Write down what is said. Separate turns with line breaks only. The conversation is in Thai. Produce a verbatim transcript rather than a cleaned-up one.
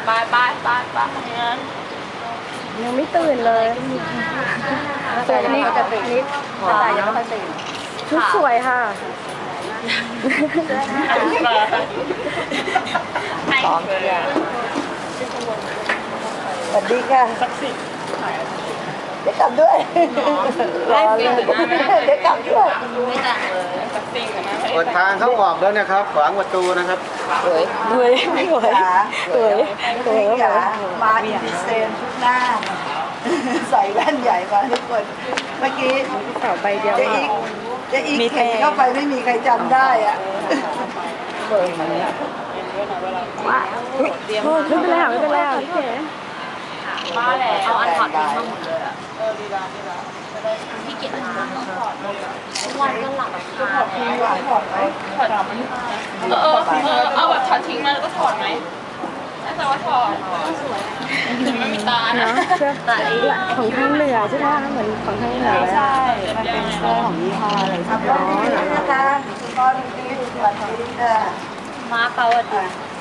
ไปไปไปไปงั้น
ยังไม่ตื่นเลยตัวนี้ก็จะตื่นนิดแต่ยังไม่ค่อยตื่นชุดสวยค่ะ
พร้อมเลย
สวัสดีค่ะเดี๋ยวกลับด้วยรอเลยเดี๋ยวกลับด้วย
ไม่แต่งเลย
เปิดทางเข้าออกแล้วนะครับขวางประตูนะครับ
สวยสวยไม่สวยสวยสวย
จ๋ามาอินดิเซนทุกหน้าใส่แว่นใหญ่มาทุกคนเมื่อกี้
เสาใบเดียว
เจะอีกเจะอีกเข็นเข้าไปไม่มีใครจำได้อ่ะ
ว้าโอ้ไม่เป็นไรค่ะไม่เป็นไรค่ะพี่เก๋
มาแล้วเอาอันถอดทิ้งมาหมดเลยอ่ะพี่เกียรติมาทุกวันก็หลับแบบคา
มีหวานถอดไหม
ถอดเออเออเออเอาแบบถอดทิ้งมาแล้วก็ถอดไหมน่าจะว่าถอดสวยไม่มีตานะ
เนาะเสื้อของทางเหนือใช่ไหมคะเหมือนของทางเหนือใช่มันเป็นเสื้อของยี่ห้ออะไร
ขับรถดีๆนะคะคุณพ่อดีๆสวัสดีค่ะ
มาเปล่าอ่ะ